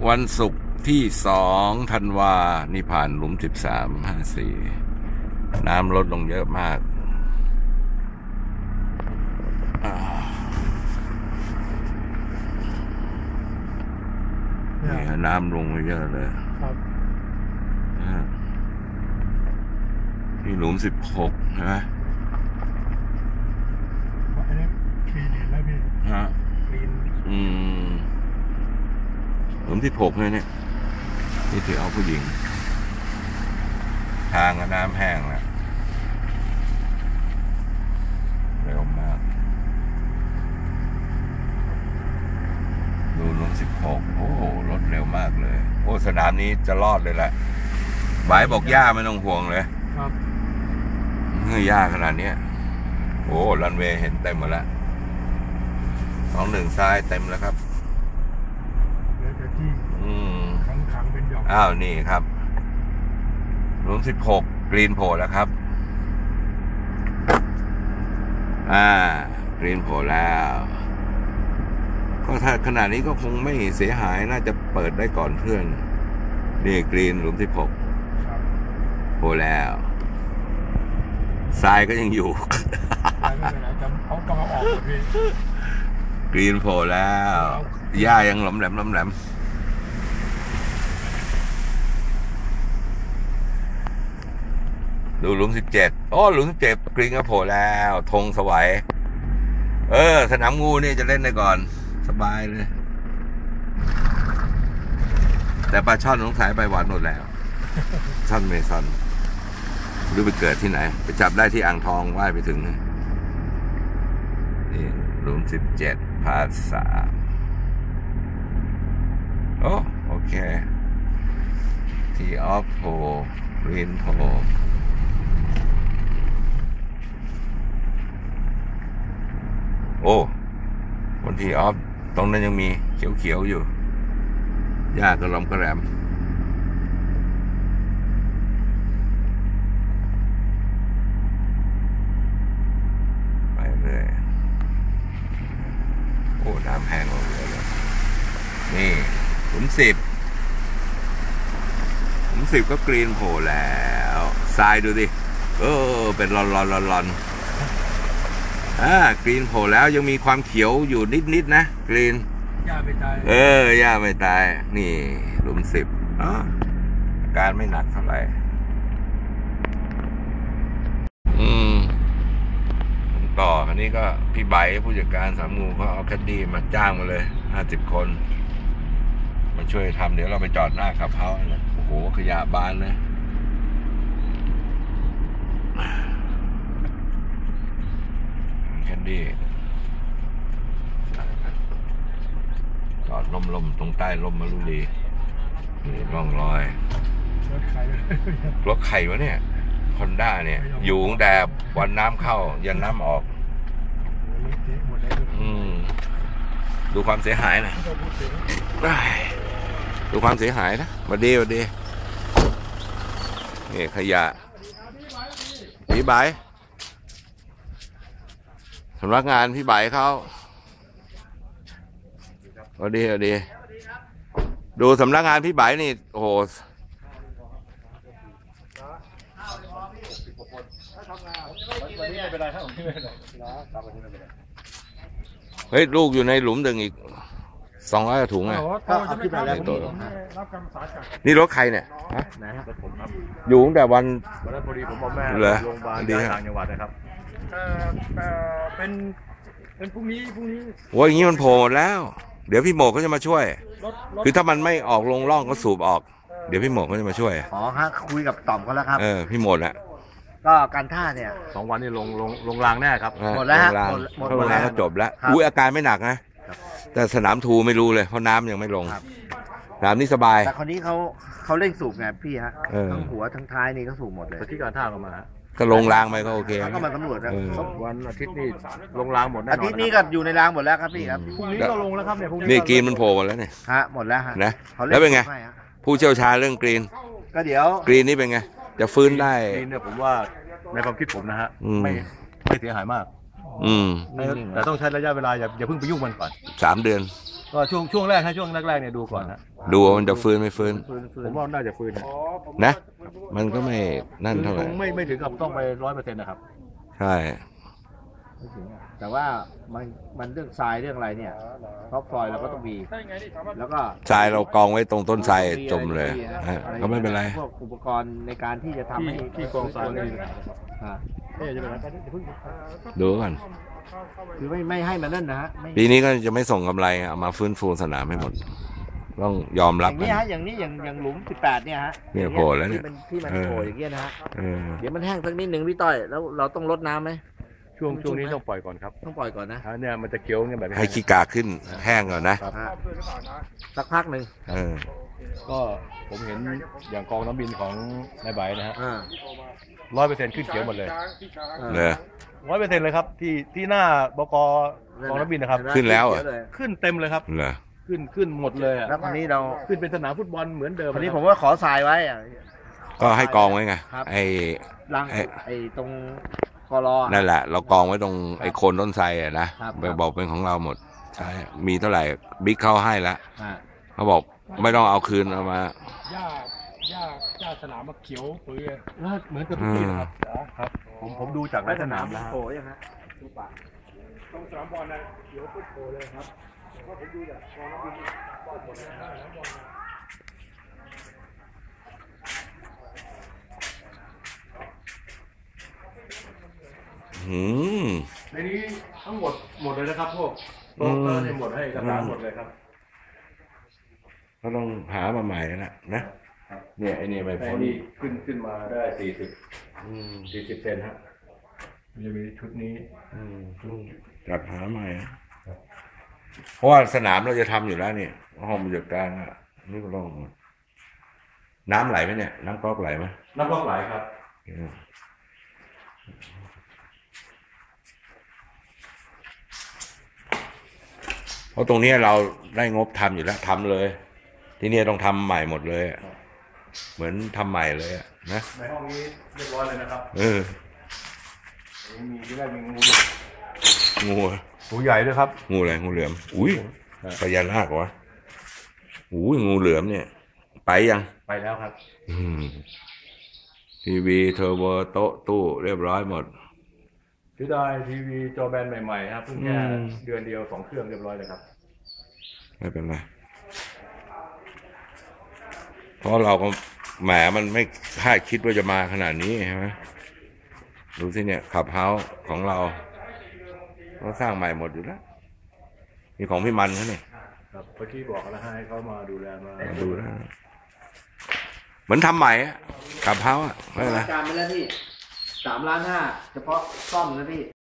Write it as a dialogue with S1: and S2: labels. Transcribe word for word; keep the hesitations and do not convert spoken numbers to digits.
S1: วันศุกร์ที่สองธันวานี่ผ่านหลุมสิบสามห้าสี่น้ำลดลงเยอะมากนี่น้ำลงไปเยอะเลยที่หลุมสิบหกใช่ไหม
S2: อันนี้คลีนเห็นแล้วพี่ฮะคลีน
S1: อืมหลุมที่หกเลยเนี่ยนี่ถือเอาผู้หญิงทางน้ำแห้งแล้วเร็วมากดูหลุมสิบหกโอ้รถเร็วมากเลยโอ้สนามนี้จะรอดเลยแหละบายบอกย่าไม่ต้องห่วงเลยครับเฮ้ยย่าขนาดนี้โอ้รันเวย์เห็นเต็มหมดแล้วสองหนึ่งซ้ายเต็มแล้วครับอืมขังๆเป็นหย่อมอ้าวนี่ครับหลุมสิบหกกรีนโผล่แล้วครับอ่ากรีนโผล่แล้วก็ถ้าขนาดนี้ก็คงไม่เสียหายน่าจะเปิดได้ก่อนเพื่อนนี่กรีนหลุมสิบหกโผล่แล้วทรายก็ยังอยู่
S2: เขากำลังออกพี่
S1: กรีนโผล่แล้วหญ้ายังหลอมแหลมหลอมแหลมดูหลุมสิบเจ็ดโอ้หลุมสิบเจ็ดกรีนก็โผล่แล้วธงสวยเออสนามงูนี่จะเล่นได้ก่อนสบายเลยแต่ปลาช่อนสงสัยไปหวานหมดแล้วช่อนเมซอนหรือไปเกิดที่ไหนไปจับได้ที่อ่างทองว่ายไปถึงนี่หลุมสิบเจ็ดพาสามโอ้โอเคทีออฟโพกรีนโพโอ้บนทีออฟตรงนั้นยังมีเขียวๆอยู่หญ้ากระลอมกระแรมไปเลยโอ้น้ำแห้งลงเลยนี่หลุมสิบหลุมสิบก็กรีนโผล่แล้วทรายดูดิเออเป็นลอนลอนลอนลอนอ่ากรีนโผล่แล้วยังมีความเขียวอยู่นิดๆนะกรีน
S2: หญ้าไม่ตาย
S1: เออหญ้าไม่ตายนี่หลุมสิบอ๋ออาการไม่หนักเท่าไหร่อืมต่ออันนี้ก็พี่ใบผู้จัดการสามงูเขาเอาแคดดี้มาจ้างมาเลยห้าสิบคนมาช่วยทำเดี๋ยวเราไปจอดหน้ากับเขาโอ้โหขยะบานเลยแคดดี้จอดล่มๆตรงใต้ร่มมารุลีนี่ร่องรอยรถไข่รถไข่วะเนี่ยคอนด้าเนี่ยอยู่ตั้งแต่วันน้ำเข้ายันน้ำออกอืมดูความเสียหายนะดูความเสียหายนะมาดีมาดีนี่ขยะพี่ใบสำนักงานพี่ใบเขาเอาดีเอาดีดูสำนักงานพี่ใบนี่โอ้โหเฮ้ยลูกอยู่ในหลุมดึงอีกสองร้อยถุงไงนี่รถใครเนี่ยฮะอยู่ตั้งแต่วัน
S3: วันพอดีผมบอกแม่โรงพยาบาลต่างจังหวัดนะครับ
S2: เป็นเป็นพรุ่งนี้พรุ่งนี้
S1: โอ้ยอย่างนี้มันโผล่หมดแล้วเดี๋ยวพี่โหมกก็จะมาช่วยคือถ้ามันไม่ออกลงร่องก็สูบออกเดี๋ยวพี่โหมกก็จะมาช่วย
S4: อ๋อฮะคุยกับต่อมเขาแล้วครับ
S1: เออพี่โหมดอะ
S4: ก็การท่าเนี่ย
S3: สองวันนี้ลงลงลงรางแน่ครับ
S4: หมดแล้วฮะ
S1: หมดแล้วก็จบแล้วอุ้ยอาการไม่หนักนะแต่สนามทูไม่รู้เลยเพราะน้ำยังไม่ลงสนามนี้สบาย
S4: แต่คนนี้เขาเขาเร่งสูบไงพี่ฮะทั้งหัวทั้งท้ายนี่ก็สูบหมดเลย
S3: ที่การท่าก็มา
S1: ก็ลงรางไปก็โอเค
S4: ก็มาตำรวจนะ
S3: วันอาทิตย์นี้ลงรางหมดแน่นอน
S4: อาทิตย์นี้ก็อยู่ในรางหมดแล้วครับพี่ครับ
S3: พรุ่งนี้ก็ลงแล้วครับเนี่ยพรุ่งนี้
S1: นี่กรีนมันโผล่หมดแล้วเนี่ย
S4: ฮะหมดแล้วฮะ
S1: นะแล้วเป็นไงผู้เชี่ยวชาญเรื่องกรีน
S4: ก็เดี๋ยว
S1: กรีนนี่เป็นไงจะฟื้นได้
S3: กรีนเนี่ยผมว่าในความคิดผมนะฮะไม่ไม่เสียหายมาก
S1: อืม
S3: แต่ต้องใช้ระยะเวลาอย่าอย่าเพิ่งไปยุ่งมันก่อน
S1: สามเดือน
S3: ก็ช่วงช่วงแรกให้ช่วงแรกๆเนี่ยดูก่อนนะ
S1: ดูว่ามันจะฟื้นไม่ฟื้น
S4: ฟื้นฟื้
S3: ผ
S4: น
S3: มว่าน่าจะฟื้น
S2: อ๋อผม
S1: นะ มันก็ไม่นั่นเท่าไหร่
S3: คงไม่ไม่ถึงกับต้องไปร้อยเปอร์เซ็นต์นะครับ
S1: ใช่
S4: ไม่ถึงอะแต่ว่ามันมันเรื่องทรายเรื่องอะไรเนี่ยท็อปซอยเราก็ต้องมี
S2: ได้ไงนี่สามารถ
S4: แล้วก็
S1: ทรายเรากองไว้ตรงต้นทรายจมเลย
S4: อะไร
S1: อ่ะก็ไม่เป็นไร
S4: พวกอุปกรณ์ในการที่จะทำให้
S3: ที่กองทรายไม่มีปัญหา
S4: อ่า
S3: เอ๊ะจะเป็นอะไรกันเพิ่ง
S1: ดูก่อน
S4: คือไม่ไม่ให้มันนั่นนะฮะไม่
S1: ปีนี้ก็จะไม่ส่งกำไรเอามาฟื้นฟูสนามให้หมด ต้องยอม
S4: อ
S1: รับ
S4: ย่าง
S1: กั
S4: นี้
S1: น
S4: ฮะอย่างนี้อย่างอย่างหลุมสิบแปดเนี่ยฮะ
S1: เนี่ยโผล่แล้วเนี่ย
S4: ที่มันที่มัน
S1: เออ
S4: โผล่อย่างเงี้ยนะฮะ
S1: เออ
S4: เดี๋ยวมันแห้งสักนิดหนึ่งพี่ต้อยแล้วเราต้องรดน้ำไหม
S3: ช่วงช่วงนี้ต้องปล่อยก่อนครับ
S4: ต้องปล่อยก่อนนะ
S3: ถ้าเนี่ยมันจะเคี้ยวเนี่ยแบบนี้
S1: ให้ขี้กาขึ้นแห้งก่อนนะ
S3: ครับ
S4: ฮะ
S2: ชอบด้วยหรือเปล่านะ
S4: สักพักหนึ่ง
S1: เออ
S3: ก็ผมเห็นอย่างกองน้ำบินของนายใบนะฮะ
S4: อ่า
S3: ร้อยเปอร์เซ็นต์ขึ้นเขียวหมดเลย
S2: ช้างที่ช้าง
S4: อ่า
S1: เลย
S3: ร้อยเปอร์เซ็นต์เลยครับที่ที่หน้าบกกองน้ำบินนะครับ
S1: ขึ้นแล้วเหรอ
S4: เยะ
S3: ขึ้นเต็มเลยครับ
S1: เหรอ
S3: ขึ้นขึ้นหมดเลยอะ
S4: แล้วคราวนี้เรา
S3: ขึ้นเป็นสนามฟุตบอลเหมือนเดิม
S4: คราวนี้
S3: ะ
S4: ผ
S3: รับ
S4: มว่าขอทรายไว้อะ
S1: ก็ให้กองไว้ไง
S4: ครับ
S1: ไอ้
S4: ลัง
S1: ไอ้
S4: ไอ้ตรงกรอ
S1: นั่นแหละ เรากองไว้ตรงไอ้โคนต้นไทรอะนะครับ ไปบอกเป็นของเราหมด ใช่ มีเท่าไหร่บิ๊กเขาให้แล้ว
S4: อ่า
S1: เขาบอกไม่ต้องเอาคืนเอามา
S2: หญ้าหญ้าหญ้าสนามมาเขียวปื้อ
S3: เหมือนกับทุกปีนะครับครับผมผมดูจากในสนามแล้ว
S4: โผล่ยังฮะ
S2: ตรงสนามบอลนะเขียวปุ๊บโผล่เลยครับเพราะผมดูจากกองนักบินบอลหมดเลยนะสนามบอลนะ
S1: หืม
S3: ในนี้ทั้งหมดหมดเลยนะครับพวกโต๊ะเตอร์เนี่ยหมดให้เอกสารหมดเลยครับ
S1: ก็ต้องหามาใหม่แล้วนะนะ เนี่ยไอ้นี่ไม่
S3: ไอ้
S1: พ้น
S3: นี่ขึ้นขึ้นมาได้สี่สิบ
S1: อืม
S3: สี่สิบเซนฮะมันจะมีชุดนี้
S1: อืมต้องจัดหาใหม่นะเพราะว่าสนามเราจะทำอยู่แล้วเนี่ยห้องบรรยากาศอ่ะนี่ก็ต้องน้ำไหลไหมเนี่ย น้ำก๊อกไหลไหม
S3: น้ำก๊อกไหลครับ
S1: อืมเพราะตรงนี้เราได้งบทำอยู่แล้วทำเลย ที่นี่ต้องทำใหม่หมดเลยอะเหมือนทำใหม่เลยอะนะ
S3: ในห้องนี้เรียบร้อยเลยนะครับ
S1: เออ
S3: มีที่แรกมีงู
S1: งูอะ
S3: งูใหญ่ด้วยครับ
S1: งูอะไรงูเหลือมอุ้ยพญานาควะอุ้ยงูเหลือมเนี่ย ไปยัง
S3: ไปแล้วครับ
S1: อืมทีวีเทอร์โบโต๊ะตู้เรียบร้อยหมด
S3: ถือได้ทีวีจอแบนใหม่ๆครับเพิ่งแค่
S1: อืม
S3: เดือนเดียวสองเครื่องเรียบร้อยเลยครับ
S1: ไม่เป็นไรเพราะเราก็แหมมันไม่คาดคิดว่าจะมาขนาดนี้ใช่ไหมดูสิเนี่ยขับเฮาส์ของเราเราสร้างใหม่หมดอยู่แล้วมีของพี่มันเขาเนี่ย
S3: ครับเมื่อกี้บอกแล้วให้เขามาดูแลมา
S1: มาดูแล้วเหมือนทำใหม่อะขับเฮาส์อะไม่เป็นไร
S4: การไปแล้วพี่สามล้านห้าเฉพาะซ่อมนะพี่